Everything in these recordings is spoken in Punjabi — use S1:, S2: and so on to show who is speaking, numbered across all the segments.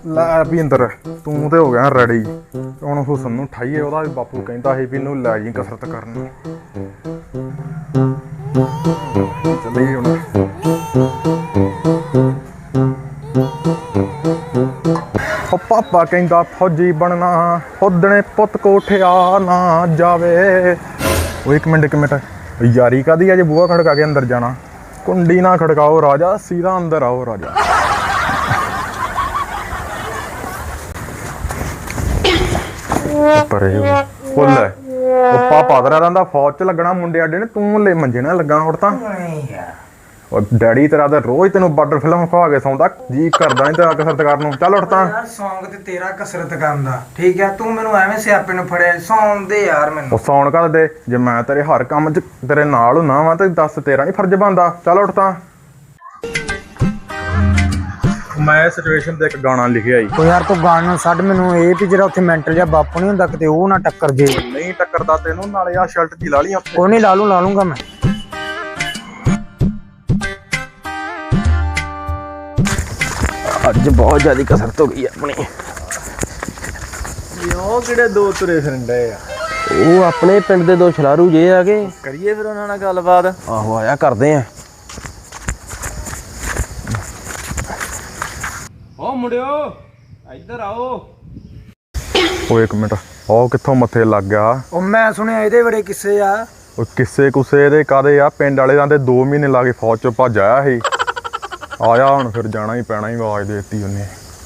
S1: ਲੈ ਭਿੰਦਰ ਤੂੰ ਤੇ ਹੋ ਗਿਆ ਰੈਡੀ। ਹੁਣ ਹੁਸਨ ਨੂੰ ਠਾਈਏ, ਉਹਦਾ ਵੀ ਬਾਪੂ ਕਹਿੰਦਾ ਸੀ ਵੀ ਇਹਨੂੰ ਲੈ ਜੀ ਕਸਰਤ ਕਰਨ। ਚੱਲੀਏ ਹੁਣ। ਉਹ ਪਾਪਾ ਕਹਿੰਦਾ ਫੌਜੀ ਬਣਨਾ, ਉਦਣੇ ਪੁੱਤ ਕੋਠਿਆ ਨਾ ਜਾਵੇ। ਉਹ ਇੱਕ ਮਿੰਟ ਯਾਰੀ ਕਾਦੀ ਅਜੇ ਬੂਹਾ ਖੜਕਾ ਕੇ ਅੰਦਰ ਜਾਣਾ। ਕੁੰਡੀ ਨਾ ਖੜਕਾਓ ਰਾਜਾ, ਸੀधा ਅੰਦਰ ਆਓ ਰਾਜਾ। ਪਰੇ ਫੁੱਲ ਹੈ ਉਹ ਪਾਪਾ ਤੇਰਾ ਰਹਿੰਦਾ ਫੌਜ ਚ ਲੱਗਣਾ, ਮੁੰਡੇ ਆਡੇ ਨੇ, ਤੂੰ ਲੈ ਮੰਜੇ ਨਾ ਲੱਗਾ। ਹੁਣ ਤਾਂ ਉਹ ਡੈਡੀ ਤੇਰਾ ਤਾਂ ਰੋਜ਼ ਤੈਨੂੰ ਬਾਰਡਰ ਫਿਲਮ ਖਵਾ ਕੇ ਸੌਂਦਾ, ਜੀ ਕਰਦਾ ਨਹੀਂ ਤੇਰਾ ਕਸਰਤ ਕਰਨ ਨੂੰ। ਚੱਲ ਉੱਠ ਤਾਂ।
S2: ਯਾਰ ਸੌਂਗ ਤੇ ਤੇਰਾ ਕਸਰਤ ਕਰਨ ਦਾ ਠੀਕ ਹੈ, ਤੂੰ ਮੈਨੂੰ ਐਵੇਂ ਸਿਆਪੇ ਨੂੰ ਫੜਿਆ। ਸੌਣ ਦੇ ਯਾਰ ਮੈਨੂੰ।
S1: ਉਹ ਸੌਣ ਕਰ ਦੇ, ਜੇ ਮੈਂ ਤੇਰੇ ਹਰ ਕੰਮ 'ਚ ਤੇਰੇ ਨਾਲ ਹੁੰਨਾ ਵਾ ਤੇ ਦੱਸ ਤੇਰਾ ਨਹੀਂ ਫਰਜ਼ ਬਣਦਾ। ਚੱਲ ਉੱਠ ਤਾਂ। ਮੈਂ ਸਿਚੁਏਸ਼ਨ ਤੇ ਇੱਕ ਗਾਣਾ ਲਿਖਿਆ ਈ।
S2: ਉਹ ਯਾਰ ਤੂੰ ਗਾਣਾ ਛੱਡ, ਮੈਨੂੰ ਇਹ ਵੀ ਜਿਹੜਾ ਉੱਥੇ ਮੈਂਟਲ ਜਿਹਾ ਬਾਪੂ ਨਹੀਂ ਹੁੰਦਾ ਕਿਤੇ ਉਹ ਨਾ ਟੱਕਰ ਜੇ।
S1: ਨਹੀਂ ਟੱਕਰਦਾ ਤੈਨੂੰ, ਨਾਲੇ ਆ ਸ਼ਰਟ ਦੀ ਲਾ ਲਈ ਆਪੇ।
S2: ਕੋਈ ਨਹੀਂ ਲਾ ਲੂੰਗਾ ਮੈਂ।
S3: ਅੱਜ ਬਹੁਤ ਜ਼ਿਆਦਾ ਕਸਰਤ ਹੋ ਗਈ ਆਪਣੀ।
S1: ਉਹ ਕਿਹੜੇ ਦੋ ਤੁਰੇ ਫਿਰਦੇ ਆ?
S3: ਉਹ ਆਪਣੇ ਪਿੰਡ ਦੇ ਦੋ ਛਲਾਰੂ ਜੇ ਆ ਗਏ।
S1: ਕਰੀਏ ਫਿਰ ਉਹਨਾਂ ਨਾਲ ਗੱਲਬਾਤ।
S3: ਆਹੋ ਆਇਆ ਕਰਦੇ ਆ। ਓ ਮੁੰਡਿਓ ਇੱਧਰ ਆਓ।
S1: ਉਹ ਇੱਕ ਮਿੰਟ, ਉਹ ਕਿੱਥੋਂ ਮੱਥੇ ਲੱਗ ਗਿਆ?
S2: ਉਹ ਮੈਂ ਸੁਣਿਆ ਇਹਦੇ ਬੜੇ ਕਿੱਸੇ ਆ।
S1: ਉਹ ਕਿਸੇ ਕੁਸੇ ਦੇ ਕਾਦੇ ਆ? ਪਿੰਡ ਵਾਲੇ ਦਾ 2 ਮਹੀਨੇ ਲਾ ਕੇ ਫੌਜ ਚੋਂ ਭੱਜ ਆਇਆ ਸੀ। ਆਇਆ ਹੁਣ ਫਿਰ ਜਾਣਾ ਹੀ ਪੈਣਾ ਹੀ, ਆਵਾਜ਼ ਦੇ ਦਿੱਤੀ ਉਹਨੇ।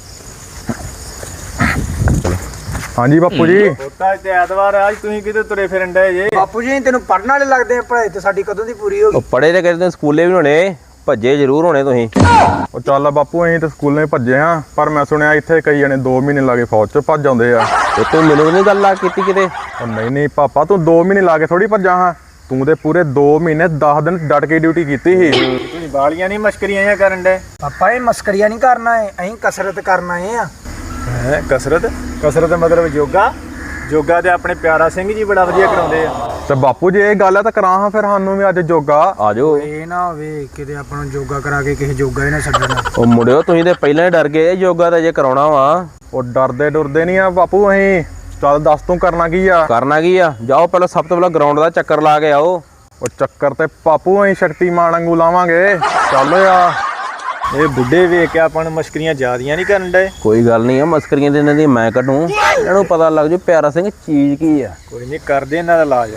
S1: ਹਾਂਜੀ ਬਾਪੂ ਜੀ।
S4: ਪੋਤਾ ਤੇ ਐਤਵਾਰ ਅੱਜ ਤੁਸੀਂ ਕਿਤੇ ਤੁਰੇ ਫਿਰਨ ਡਏ ਜੇ?
S2: ਬਾਪੂ ਜੀ ਤੈਨੂੰ ਪੜਨ ਵਾਲੇ ਲੱਗਦੇ ਆ, ਪੜ੍ਹਾਈ ਤੇ ਸਾਡੀ ਕਦੋਂ ਦੀ ਪੂਰੀ ਹੋ ਗਈ।
S3: ਉਹ ਪੜੇ ਤੇ ਕਰਦੇ ਸਕੂਲੇ ਵੀ ਹੋਣੇ, ਭੱਜੇ ਜ਼ਰੂਰ ਹੋਣੇ ਤੁਸੀਂ।
S1: ਉਹ ਚੱਲ ਬਾਪੂ ਅਸੀਂ ਤੇ ਸਕੂਲੇ ਭੱਜੇ ਆ, ਪਰ ਮੈਂ ਸੁਣਿਆ ਇੱਥੇ ਕਈ ਜਣੇ 2 ਮਹੀਨੇ ਲਾ ਕੇ ਫੌਜ ਚ ਭੱਜ ਜਾਂਦੇ ਆ।
S3: ਤੇ ਤੂੰ ਮੈਨੂੰ ਨਹੀਂ ਗੱਲ ਲਾ ਕੀਤੀ ਕਿਤੇ?
S1: ਉਹ ਨਹੀਂ ਪਾਪਾ, ਤੂੰ 2 ਮਹੀਨੇ ਲਾ ਕੇ ਥੋੜੀ ਭੱਜਾ ਹਾਂ। ਤੂੰ ਤੇ ਪੂਰੇ 2 ਮਹੀਨੇ 10 ਦਿਨ ਡਟ ਕੇ ਡਿਊਟੀ ਕੀਤੀ ਸੀ।
S4: ਤੁਸੀਂ ਬਾਲੀਆਂ ਨਹੀਂ ਮਸ਼ਕਰੀਆਂ ਜਾਂ ਕਰਨ ਡਏ?
S2: ਪਾਪਾ ਇਹ ਮਸਕਰੀਆ ਨਹੀਂ ਕਰਨਾ ਹੈ, ਅਸੀਂ ਕਸਰਤ ਕਰਨ ਆਏ ਆ।
S4: ਹੈ ਕਸਰਤ ਮਤਲਬ ਯੋਗਾ ਤੇ ਆਪਣੇ ਪਿਆਰਾ ਸਿੰਘ ਜੀ ਬੜਾ ਵਧੀਆ ਕਰਾਉਂਦੇ ਆ।
S1: ਤੇ ਬਾਪੂ ਜੇ ਇਹ ਗੱਲ ਆ ਤਾਂ ਕਰਾਂ ਹਾਂ ਫਿਰ ਸਾਨੂੰ ਵੀ ਅੱਜ ਯੋਗਾ।
S3: ਆ ਜਾਓ।
S2: ਇਹ ਨਾ ਹੋਵੇ ਕਿਤੇ ਆਪਾਂ ਨੂੰ ਯੋਗਾ ਕਰਾ ਕੇ ਕਿਸੇ ਯੋਗਾ ਹੀ ਨਾ ਛੱਡਣਾ।
S3: ਉਹ ਮੁੰਡਿਓ ਤੁਸੀਂ ਤੇ ਪਹਿਲਾਂ ਹੀ ਡਰ ਗਏ, ਯੋਗਾ ਤਾਂ ਜੇ ਕਰਾਉਣਾ ਵਾ।
S1: ਉਹ ਡਰਦੇ ਨਹੀਂ ਆ ਬਾਪੂ ਅਸੀਂ। ਚੱਲ ਦੱਸ ਤੂੰ ਕਰਨਾ ਕੀ ਆ?
S3: ਕਰਨਾ ਕੀ ਆ? ਜਾਓ ਪਹਿਲਾਂ, ਸਭ ਤੋਂ ਪਹਿਲਾਂ ਗਰਾਊਂਡ ਦਾ ਚੱਕਰ ਲਾ ਕੇ ਆਓ।
S1: ਉਹ ਚੱਕਰ ਤੇ ਬਾਪੂ ਅਸੀਂ ਸ਼ਕਤੀਮਾਨ ਵਾਂਗੂ ਲਾਵਾਂਗੇ। ਚੱਲ ਆ।
S4: ਇਹ ਬੁੱਢੇ ਵੇਖ ਕੇ ਆਪਾਂ ਨੂੰ ਮਸ਼ਕਰੀਆਂ ਜ਼ਿਆਦੀਆਂ ਨਹੀਂ ਕਰਨ ਡਏ?
S3: ਕੋਈ ਗੱਲ ਨਹੀਂ ਆ, ਮਸਕਰੀਆਂ ਤੇ ਇਹਨਾਂ ਦੀ ਮੈਂ ਕੱਢੂ, ਇਹਨਾਂ ਨੂੰ ਪਤਾ ਲੱਗ ਜੂ ਪਿਆਰਾ ਸਿੰਘ ਚੀਜ਼ ਕੀ ਆ।
S4: ਕੋਈ ਨਹੀਂ, ਕਰਦੇ ਇਹਨਾਂ ਦਾ ਇਲਾਜ।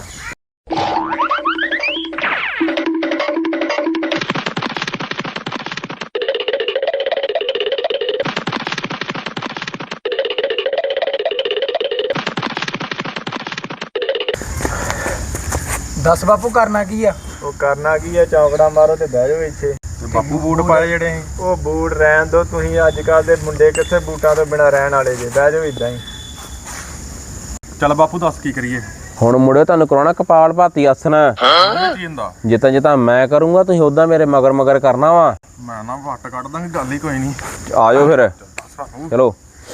S2: ਦੱਸ ਬਾਪੂ ਕਰਨਾ ਕੀ ਆ?
S4: ਉਹ ਕਰਨਾ ਕੀ ਆ, ਚੌਂਕੜਾ ਮਾਰੋ ਤੇ ਬਹਿ ਜਾਓ ਇੱਥੇ।
S1: ਤੇ ਬਾਪੂ ਬੂਟ ਪਾਏ ਜਿਹੜੇ ਅਸੀਂ।
S4: ਉਹ ਬੂਟ ਰਹਿਣ ਦੋ ਤੁਸੀਂ, ਅੱਜ ਕੱਲ ਦੇ ਮੁੰਡੇ ਕਿੱਥੇ ਬੂਟਾਂ ਤੋਂ ਬਿਨਾਂ ਰਹਿਣ ਵਾਲੇ ਜੇ। ਬਹਿ ਜਾਓ ਇਦਾਂ ਹੀ।
S1: ਚੱਲ ਬਾਪੂ ਦੱਸ ਕੀ ਕਰੀਏ?
S3: ਹੁਣ ਮੁੰਡਿਓ ਤੁਹਾਨੂੰ ਕਰਾਉਣਾ ਕਪਾਲ ਭਾਤੀ ਆਸਨ।
S1: ਕੀ ਹੁੰਦਾ?
S3: ਜਿੱਦਾਂ ਮੈਂ ਕਰੂੰਗਾ ਤੁਸੀਂ ਉਦਾਂ ਮੇਰੇ ਮਗਰ ਕਰਨਾ ਵਾ।
S1: ਮੈਂ ਨਾ ਵੱਟ ਕੱਢ ਦਾਂਗੇ, ਗੱਲ ਹੀ ਕੋਈ ਨਹੀਂ।
S3: ਆ ਜਾਓ ਫਿਰ, ਚਲੋ।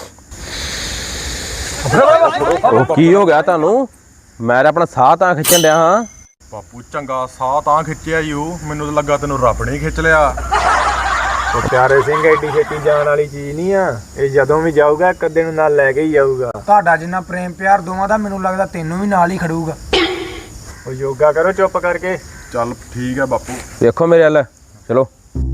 S3: ਉਹ ਕੀ ਹੋ ਗਿਆ ਤੁਹਾਨੂੰ? ਮੈਂ ਆਪਣਾ ਸਾਹ ਤਾਂ ਖਿੱਚਣ ਡਿਆ ਹਾਂ।
S1: ਬਾਪੂ ਚੰਗਾ ਸਾਹ ਤਾਂ ਖਿੱਚਿਆ ਈ ਉਹ, ਮੈਨੂੰ ਤਾਂ ਲੱਗਾ ਤੈਨੂੰ ਰੱਬ ਨੇ ਖਿੱਚ ਲਿਆ।
S4: ਉਹ ਪਿਆਰੇ ਸਿੰਘ ਐਡੀ ਛੇਤੀ ਜਾਣ ਵਾਲੀ ਚੀਜ਼ ਨਹੀਂ ਆ। ਇਹ ਜਦੋਂ ਵੀ ਜਾਊਗਾ ਇੱਕ ਅੱਧੇ ਨੂੰ ਨਾਲ ਲੈ ਕੇ ਹੀ ਆਊਗਾ।
S2: ਤੁਹਾਡਾ ਜਿੰਨਾ ਪ੍ਰੇਮ ਪਿਆਰ ਦੋਵਾਂ ਦਾ, ਮੈਨੂੰ ਲੱਗਦਾ ਤੈਨੂੰ ਵੀ ਨਾਲ ਹੀ ਖੜੂਗਾ।
S4: ਉਹ ਯੋਗਾ ਕਰੋ ਚੁੱਪ ਕਰਕੇ।
S1: ਚੱਲ ਠੀਕ ਹੈ ਬਾਪੂ।
S3: ਦੇਖੋ ਮੇਰੇ ਵੱਲ, ਚਲੋ।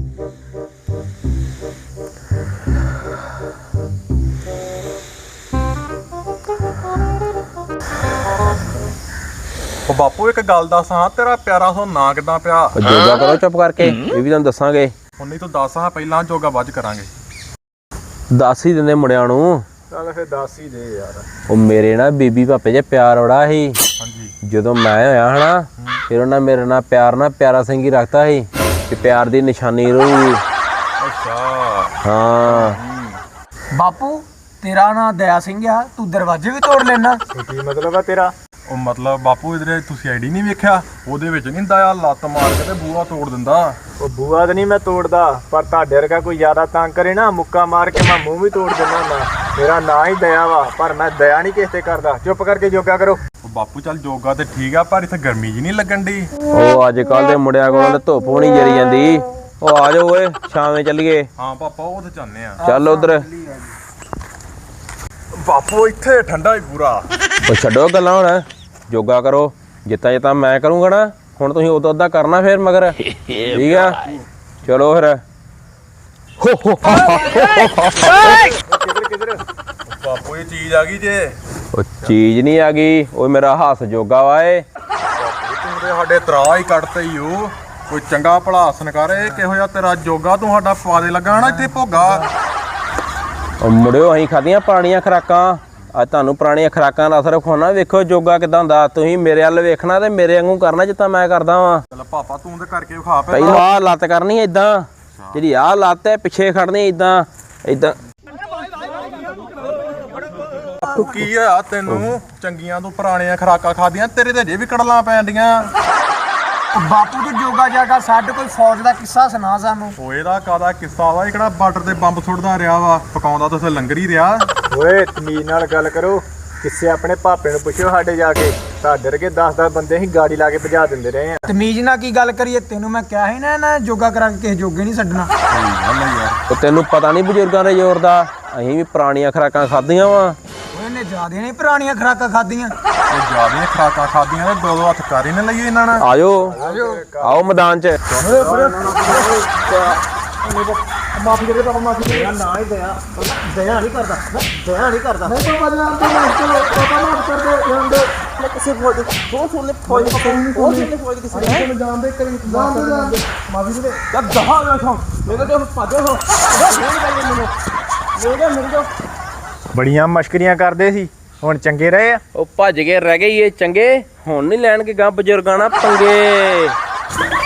S1: ਉਹ ਬਾਪੂ ਇੱਕ ਗੱਲ ਦੱਸ ਹਾਂ, ਤੇਰਾ ਪਿਆਰਾ ਸੋ ਨਾਂ ਕਿੱਦਾਂ ਪਿਆ?
S3: ਯੋਗਾ ਕਰੋ ਚੁੱਪ ਕਰਕੇ, ਇਹ ਵੀ ਤੁਹਾਨੂੰ ਦੱਸਾਂਗੇ।
S1: ਹੁਣ ਨਹੀਂ ਤੂੰ ਦੱਸ ਹਾਂ, ਪਹਿਲਾਂ ਯੋਗਾ ਬਾਅਦ ਚ ਕਰਾਂਗੇ।
S3: ਦੱਸ ਹੀ ਦਿੰਦੇ ਮੁੰਡਿਆਂ ਨੂੰ।
S4: ਚੱਲ ਫਿਰ ਦੱਸ ਹੀ ਦੇ ਯਾਰ।
S3: ਉਹ ਮੇਰੇ ਨਾਲ ਬੀਬੀ ਭਾਪੇ ਜੇ ਪਿਆਰ ਬੜਾ ਸੀ।
S1: ਹਾਂਜੀ।
S3: ਜਦੋਂ ਮੈਂ ਹੋਇਆ ਹਨਾ, ਫਿਰ ਉਹਨਾਂ ਮੇਰੇ ਨਾਲ ਪਿਆਰਾ ਸਿੰਘ ਹੀ ਰੱਖਤਾ ਸੀ ਕਿ ਪਿਆਰ ਦੀ ਨਿਸ਼ਾਨੀ ਰਹੂਗੀ।
S1: ਅੱਛਾ।
S3: ਹਾਂ।
S2: ਬਾਪੂ ਤੇਰਾ ਨਾਂ ਦਇਆ ਸਿੰਘ ਆ, ਤੂੰ ਦਰਵਾਜ਼ੇ ਵੀ ਤੋੜ ਲੈਣਾ।
S4: ਕੀ ਮਤਲਬ ਆ ਤੇਰਾ?
S1: ਉਹ ਮਤਲਬ ਬਾਪੂ ਇਧਰੇ ਤੁਸੀਂ ਆਈਡੀ ਨਹੀਂ ਵੇਖਿਆ? ਉਹਦੇ ਵਿੱਚ ਨਹੀਂ ਹੁੰਦਾ ਆ, ਲੱਤ ਮਾਰ ਕੇ ਤੇ ਬੂਹਾ ਤੋੜ ਦਿੰਦਾ।
S4: ਉਹ ਬੂਆ ਤਾਂ ਨਹੀਂ ਮੈਂ ਤੋੜਦਾ, ਪਰ ਤੁਹਾਡੇ ਵਰਗਾ ਕੋਈ ਜ਼ਿਆਦਾ ਤੰਗ ਕਰੇ ਨਾ, ਮੁੱਕਾ ਮਾਰ ਕੇ ਮੈਂ ਮੂੰਹ ਵੀ ਤੋੜ ਦਿੰਦਾ ਹੁੰਦਾ। ਮੇਰਾ ਨਾਂ ਹੀ ਦਇਆ ਵਾ, ਪਰ ਮੈਂ ਦਇਆ ਨਹੀਂ ਕਿਸੇ ਤੇ ਕਰਦਾ। ਚੁੱਪ ਕਰਕੇ ਯੋਗਾ ਕਰੋ।
S1: ਉਹ ਬਾਪੂ ਚੱਲ ਯੋਗਾ ਤੇ ਠੀਕ ਆ, ਪਰ ਇੱਥੇ ਗਰਮੀ ਜੀ ਨਹੀਂ ਲੱਗਣ ਦੀ।
S3: ਉਹ ਅੱਜ ਕੱਲ ਦੇ ਮੁੰਡਿਆਂ ਕੋਲ ਤਾਂ ਧੁੱਪ ਵੀ ਨਹੀਂ ਜਰੀ ਜਾਂਦੀ। ਉਹ ਆ ਜਾਓ ਓਏ, ਸ਼ਾਮੇ ਚੱਲੀਏ।
S1: ਹਾਂ ਪਾਪਾ ਉਹ ਤੇ ਚਾਹੁੰਦੇ ਆ।
S3: ਚੱਲ ਉਧਰ।
S1: ਬਾਪੂ ਇੱਥੇ ਠੰਡਾ ਹੀ ਪੂਰਾ।
S3: ਉਹ ਛੱਡੋ ਗੱਲਾਂ ਹੁਣ, ਯੋਗਾ ਕਰੋ ਜਿੱਤਾ ਜਿੱਤਾ ਮੈਂ ਕਰੂੰਗਾ ਨਾ, ਹੁਣ ਤੁਸੀਂ ਉਦੋਂ ਅੱਧਾ ਕਰਨਾ ਫਿਰ ਮਗਰ, ਠੀਕ ਆ? ਚਲੋ ਫਿਰ।
S1: ਬਾਪੂ ਇਹ ਚੀਜ਼ ਆ ਗਈ ਜੇ।
S3: ਉਹ ਚੀਜ਼ ਨਹੀਂ ਆ ਗਈ, ਉਹ ਮੇਰਾ ਹੱਸ ਜੋਗਾ ਵਾ ਏ।
S1: ਤੂੰ ਤੇ ਸਾਡੇ ਤਰਾ ਹੀ ਕੱਢਤੇ ਈ ਓ। ਕੋਈ ਚੰਗਾ ਭਲਾ ਹਸਨ ਕਰ, ਇਹ ਕਿਹੋ ਜਿਹਾ ਤੇਰਾ ਜੋਗਾ ਤੂੰ ਸਾਡਾ ਪਵਾ ਦੇ ਲੱਗਾ ਨਾ ਇੱਥੇ ਭੋਗਾ।
S3: ਉਹ ਮੁੜਿਓ ਅਸੀਂ ਖਾਧੀਆਂ ਪੁਰਾਣੀਆਂ ਖੁਰਾਕਾਂ, ਅੱਜ ਤੁਹਾਨੂੰ ਪੁਰਾਣੀਆਂ ਖੁਰਾਕਾਂ ਦਾ ਅਸਰ ਵਿਖਾਉਣਾ। ਵੇਖੋ ਜੋਗਾ ਕਿਦਾਂ ਹੁੰਦਾ, ਤੁਸੀਂ ਮੇਰੇ ਵੱਲ ਵੇਖਣਾ ਤੇ ਮੇਰੇ ਵਾਂਗੂ ਕਰਨਾ ਜਿੱਦਾਂ ਮੈਂ ਕਰਦਾ ਵਾਂ।
S1: ਚੱਲ ਪਾਪਾ ਤੂੰ ਤੇ ਕਰਕੇ ਵਿਖਾ ਪੈ।
S3: ਪਹਿਲਾਂ ਆਹ ਲੱਤ ਕਰਨੀ ਏਦਾਂ, ਜਿਹੜੀ ਆਹ ਲੱਤ ਹੈ ਪਿੱਛੇ ਖੜਨੀ ਏਦਾਂ ਏਦਾਂ।
S1: ਕੀ ਹੋਇਆ ਤੈਨੂੰ? ਚੰਗੀਆਂ ਤੂੰ ਪੁਰਾਣੀਆਂ ਖੁਰਾਕਾਂ ਖਾਦੀਆਂ, ਤੇਰੇ ਤੇ ਅਜੇ ਵੀ ਕੜਲਾਂ ਪੈਂਦੀਆਂ।
S2: ਬਾਪੂ ਤੂੰ ਜੋਗਾ ਜਾਗਾ ਸਾਡੇ ਕੋਈ ਫੌਜ ਦਾ ਕਿੱਸਾ ਸੁਣਾ ਸਾਨੂੰ।
S1: ਓ ਇਹਦਾ ਕਾਦਾ ਕਿੱਸਾ ਵਾ? ਇਹ ਕਿਹੜਾ ਬਾਰਡਰ ਤੇ ਬੰਬ ਸੁੱਟਦਾ ਰਿਹਾ ਵਾ, ਪਕਾਉਂਦਾ ਤਾਂ ਉੱਥੇ ਲੰਗਰ ਹੀ ਰਿਹਾ।
S4: ਓਏ ਤਮੀਜ਼ ਨਾਲ ਗੱਲ ਕਰੋ, ਕਿਸੇ ਆਪਣੇ ਭਾਪੇ ਨੂੰ ਪੁੱਛਿਓ ਸਾਡੇ ਜਾ ਕੇ, ਤੁਹਾਡੇ ਵਰਗੇ 10-10 ਬੰਦੇ ਅਸੀਂ ਗਾੜੀ ਲਾ ਕੇ ਭਜਾ ਦਿੰਦੇ ਰਹੇ ਆ।
S2: ਤਮੀਜ਼ ਨਾਲ ਕੀ ਗੱਲ ਕਰੀਏ, ਤੈਨੂੰ ਮੈਂ ਕਿਹਾ ਸੀ ਨਾ ਜੋਗਾ ਕਰਾ ਕੇ ਕਿਸੇ ਜੋਗੇ ਨਹੀਂ ਛੱਡਣਾ।
S3: ਉਹ ਤੈਨੂੰ ਪਤਾ ਨਹੀਂ ਬਜ਼ੁਰਗਾਂ ਦੇ ਜ਼ੋਰ ਦਾ, ਅਸੀਂ ਵੀ ਪੁਰਾਣੀਆਂ ਖੁਰਾਕਾਂ ਖਾਧੀਆਂ ਵਾ।
S2: ਇਹਨੇ ਜ਼ਿਆਦਾ ਨਹੀਂ ਪੁਰਾਣੀਆਂ ਖੁਰਾਕਾਂ ਖਾਧੀਆਂ।
S1: ਇਹ ਜਿਆਦੀਆਂ ਖੁਰਾਕਾਂ ਖਾਦੀਆਂ ਤੇ ਦੋ ਦੋ ਹੱਥ ਕਰ ਹੀ ਨਾ ਲਈਏ ਇਹਨਾਂ ਨਾਲ।
S3: ਆਜੋ ਆਓ ਮੈਦਾਨ 'ਚ।
S2: ਮਾਫੀ ਦੇ ਦੇ ਪਾਪਾ, ਮਾਫੀ ਦੇ। ਨਾ ਹੀ ਦਇਆ ਨਹੀਂ ਕਰਦਾ, ਦਇਆ ਨਹੀਂ ਕਰਦਾ। ਨਹੀਂ ਪਾਪਾ ਜਾਨ ਤੇ ਮਾਫ ਕਰੋ, ਪਾਪਾ ਮਾਫ ਕਰ ਦਿਓ ਜਾਨ ਦੇ। ਕਿਸੇ ਫੌਜ ਦੇ ਬਹੁਤ ਸੋਹਣੇ ਫੌਜ ਦੇ ਕਿਸੇ ਨੇ ਜਾਨ ਦੇ ਕਰੀ ਜਾਨ ਦੇ ਮਾਫੀ ਦੇ। ਜਦ ਦਹਾ ਆ ਸੋ ਮੇਰੇ ਤੋਂ ਭਾਜੋ ਹੋ ਮੇਰੇ ਤੋਂ
S4: ਬੜੀਆਂ ਮਸ਼ਕਰੀਆਂ ਕਰਦੇ ਸੀ, ਹੁਣ ਚੰਗੇ ਰਹੇ ਆ।
S3: ਉਹ ਭੱਜ ਕੇ ਰਹਿ ਗਏ ਇਹ ਚੰਗੇ, ਹੁਣ ਨਹੀਂ ਲੈਣਗੇ ਗਾਂ ਬਜ਼ੁਰਗਾਂ ਨਾਲ ਪੰਗੇ।